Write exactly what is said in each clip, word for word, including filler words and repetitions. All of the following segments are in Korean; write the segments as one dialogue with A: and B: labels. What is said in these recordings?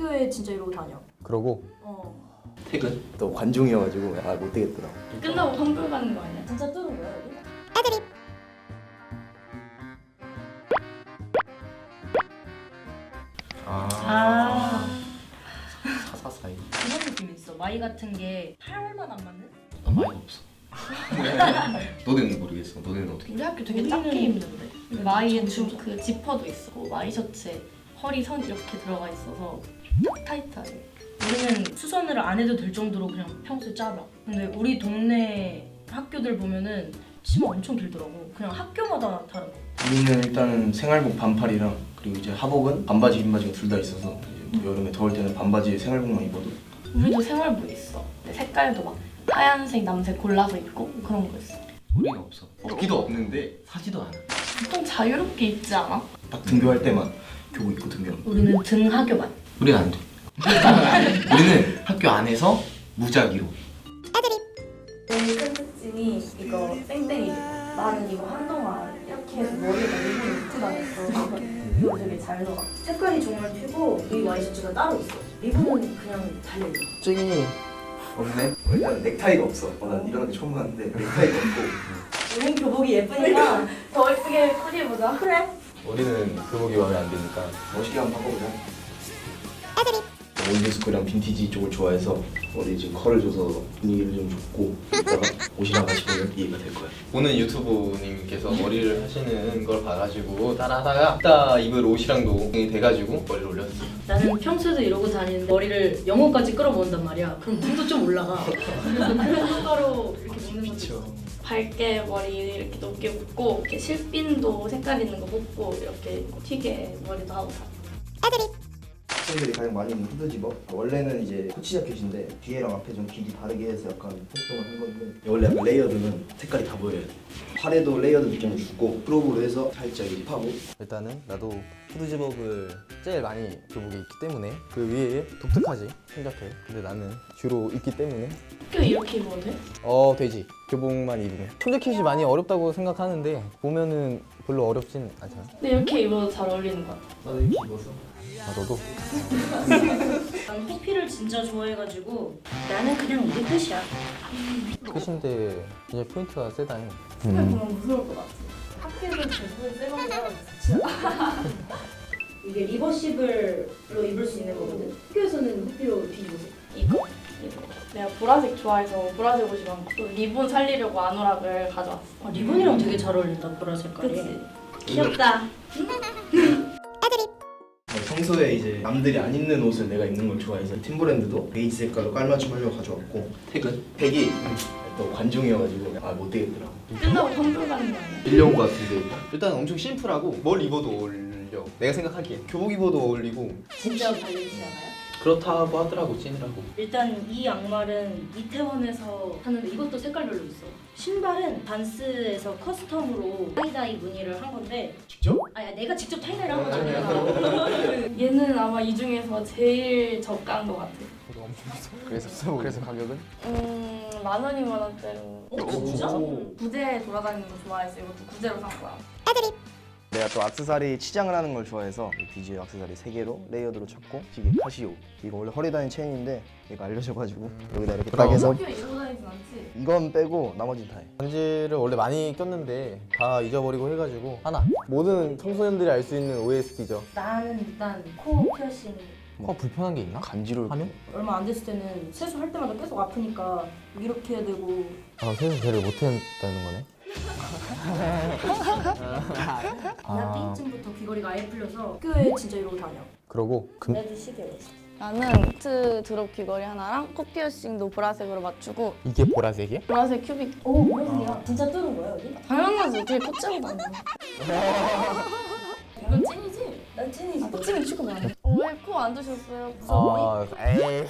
A: 학교에 진짜 이러고 다녀.
B: 그러고
A: 어.
C: 퇴근? 또 관중이어가지고 아 못되겠더라고.
D: 끝나고 환불 가는 거 아니야?
A: 진짜 뚫은 거야 여기?
C: 아,
D: 아
C: 사사사이.
A: 그런 느낌이 있어. 마이 같은 게 팔만 안 맞는?
C: 난 많이 없어. 너네는 모르겠어. 너네는 어떻게?
D: 우리 학교 되게
A: 우리는
D: 작게 입는데 마이에
A: 좀
D: 주 그 지퍼도 있고 마이 셔츠에 허리 선 이렇게 들어가 있어서 딱 타이트하게.
A: 우리는 수선을 안 해도 될 정도로 그냥 평소에 짧아. 근데 우리 동네 학교들 보면은 치마 엄청 길더라고. 그냥 학교마다 다른 거.
E: 우리는 일단은 생활복 반팔이랑 그리고 이제 하복은 반바지 긴바지가 둘 다 있어서 이제 또 여름에 더울 때는 반바지 생활복만 입어도.
D: 우리도 생활복 있어. 근데 색깔도 막 하얀색, 남색 골라서 입고 그런 거 있어.
C: 우리는 없어. 없기도 없는데 사지도 않아.
D: 보통 자유롭게 입지 않아?
E: 딱 등교할 때만 교복 입고 등교하는 거.
A: 우리는 등하교만.
C: 우리는 안 돼. 우리는 학교 안에서 무작위로.
D: 제일 큰 특징이 이거 땡땡이지. 나는 이거 한동안 이렇게 해서 머리에다 리본 입고 다녔어. 이거 되게 잘 녹아.
A: 색깔이 정말 튀고 이 와이셔츠가 따로 있어. 리본은 그냥 달려있어.
E: 찡이 없네? 어, 일단 넥타이가 없어. 어, 난 이런 게 처음 봤는데 넥타이가 없고.
A: 우린 교복이 예쁘니까
D: 더 예쁘게 꾸며보자.
A: 그래.
B: 우리는 교복이 마음에 안 드니까
E: 멋있게 한번 바꿔보자. 올드스쿨이랑 빈티지 쪽을 좋아해서 머리 지금 컬을 줘서 분위기를 좀 줬고 이따가 옷이랑 같이 보면 이해가 될 거야.
B: 보는 유튜브님께서 머리를 하시는 걸 봐가지고 따라하다가 이따 입을 옷이랑도 돼가지고 머리를 올렸어.
A: 나는 평소에도 이러고 다니는데 머리를 영혼까지 끌어모은단 말이야. 그럼 눈도 좀 올라가. 그런 효과로 이렇게 묶는 것도 있어.
D: 밝게 머리 이렇게 높게 묶고 이렇게 실핀도 색깔 있는 거 묶고 이렇게 튀게 머리도 하고 다.
E: 학생들이 가장 많이 입는 후드 집업. 원래는 이제 코치 자켓인데 뒤에랑 앞에 좀 길이 다르게 해서 약간 활동을 한 건데 원래 약간 레이어드는 색깔이 다 보여야 돼. 팔에도 레이어드 느낌을 주고 크롭으로 해서 살짝 이제 파고.
B: 일단은 나도 후드 집업을 제일 많이 교복에 입기 때문에 그 위에 독특하지 생각해. 근데 나는 주로 입기 때문에
D: 학교 이렇게 입어도 돼?
B: 어 되지. 교복만 입으면 손재킷이 많이 어렵다고 생각하는데 보면은 별로 어렵진 않잖아.
D: 근데 이렇게 입어도 잘 어울리는 것 같아.
E: 나도 이렇게 입어서.
B: 아 너도?
A: 난 호피를 진짜 좋아해가지고 나는 그냥 이게 끝이야.
B: 끝인데 이제 포인트가 세다잉.
D: 색깔 보면 무서울 것 같아. 학교에서 대부분 쎄먹으면
A: 이게 리버시블로 입을 수 있는 거거든. 학교에서는 호피로 뒤집어서.
D: 이거 이거 내가 보라색 좋아해서 보라색 옷이 많고 또 리본 살리려고 아노락을 가져왔어.
A: 아, 리본이랑 되게 잘 어울린다 보라 색깔이.
D: 그치? 귀엽다.
E: 평소에 이제 남들이 안 입는 옷을 내가 입는 걸 좋아해서 팀브랜드도 베이지 색깔로 깔맞춤 하려고 가져왔고
C: 퇴근?
E: 팩이 또 관중이어가지고 아 못되겠더라고.
D: 끝나고 환불 가는 거 아니야?
C: 빌려온 거 같은데.
B: 일단 엄청 심플하고 뭘 입어도 어울려. 내가 생각하기에 교복 입어도 어울리고
A: 진짜 달려있지 않아요?
C: 그렇다고 하더라고 찐이라고.
A: 일단 이 양말은 이태원에서 샀는데 이것도 색깔별로 있어. 신발은 반스에서 커스텀으로 타이다이 무늬를 한 건데
E: 직접?
A: 아야 내가 직접 타이다이를 한 건 아니야.
D: 얘는 아마 이 중에서 제일 저가인 것 같아.
B: 저도 엄청 비싸. 그래서 그래서 가격은?
D: 음, 만 원이면 원대로.
A: 어 진짜?
D: 구제 돌아다니는 거 좋아해서 이것도 구제로 산 거야.
E: 내가 또 악세사리 치장을 하는 걸 좋아해서 비지 악세사리 세 개로 레이어드로 쳤고 이게 카시오. 이거 원래 허리 다닌 체인인데 얘가 알려져가지고 여기다 이렇게 딱 해서
D: 학교에 입고 다니진 않지?
E: 이건 빼고 나머지는 다 해.
B: 반지를 원래 많이 꼈는데 다 잊어버리고 해가지고 하나. 모든 청소년들이 알 수 있는 오에스티죠.
A: 나는 일단 코 피어싱
B: 코 불편한 게 있나?
E: 간지로
B: 하면?
A: 얼마 안 됐을 때는 세수할 때마다 계속 아프니까 이렇게 해야 되고
B: 아 세수 제를 못했다는 거네.
A: 나 삐쯤부터 귀걸이가 아예 풀려서 학교에 진짜 이러고 다녀.
B: 그러고 금
D: 레드 시계 나는 코트 드롭 귀걸이 하나랑 코 피어싱도 보라색으로 맞추고
B: 이게 보라색이야?
D: 보라색 큐빅.
A: 오 뭐야? 진짜 뚫은 거야 여기?
D: 당연하지. 어떻게 코째로 다녀. 이건 찐이지?
A: 난 찐이지.
D: 아, 코찌는 취급 안 해. 어, 왜 코 안 드셨어요? 무서워?
B: 아 에이.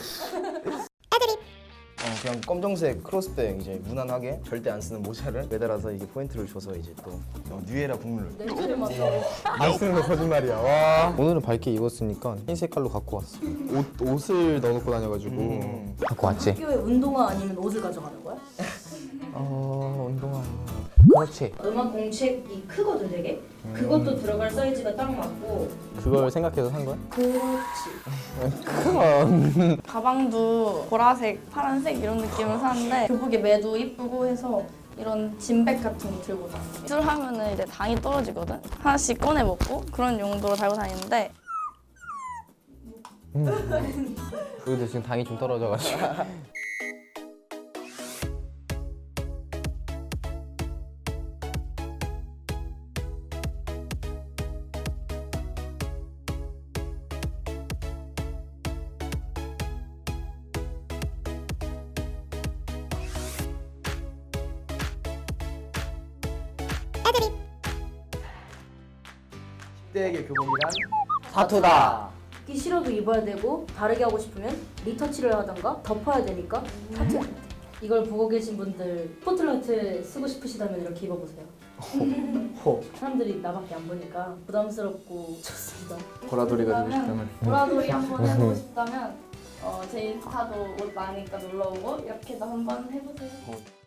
E: 어, 그냥 검정색 크로스백 이제 무난하게 절대 안 쓰는 모자를 매달아서 이게 포인트를 줘서 이제 또 어, 뉴에라 국룰.
A: 냄새를 맡아.
B: 안 쓰는 거 거짓말이야. 와. 오늘은 밝게 입었으니까 흰 색깔로 갖고 왔어. 옷 옷을 넣어놓고 다녀가지고
E: 음.
B: 갖고 왔지.
A: 학교에 운동화 아니면 옷을 가져가는 거야?
B: 어 운동화. 그렇지.
A: 음악 공책이 크거든 되게. 그것도 들어갈 사이즈가 딱 맞고.
B: 그걸 생각해서 산 거야?
A: 그렇지.
B: 그럼.
D: 가방도 보라색, 파란색 이런 느낌을 사는데 교복에 매도 이쁘고 해서 이런 진백 같은 거 들고 다녀요. 술 하면은 이제 당이 떨어지거든. 하나씩 꺼내 먹고 그런 용도로 달고 다니는데
B: 우리도 지금 당이 좀 떨어져가지고.
E: 십 대에게 교복이란
B: 사투다.
A: 입기 싫어도 입어야 되고 다르게 하고 싶으면 리터치를 하던가 덮어야 되니까 타투. 이걸 보고 계신 분들 스포트라이트에 쓰고 싶으시다면 이렇게 입어보세요.
B: 호.
A: 사람들이 나밖에 안 보니까 부담스럽고 좋습니다.
B: 보라돌이가 되고 싶다면.
D: 보라돌이 한번 해보고 싶다면 어, 제 인스타도 옷 많으니까 놀러오고 이렇게도 한번 해보세요.
B: 어.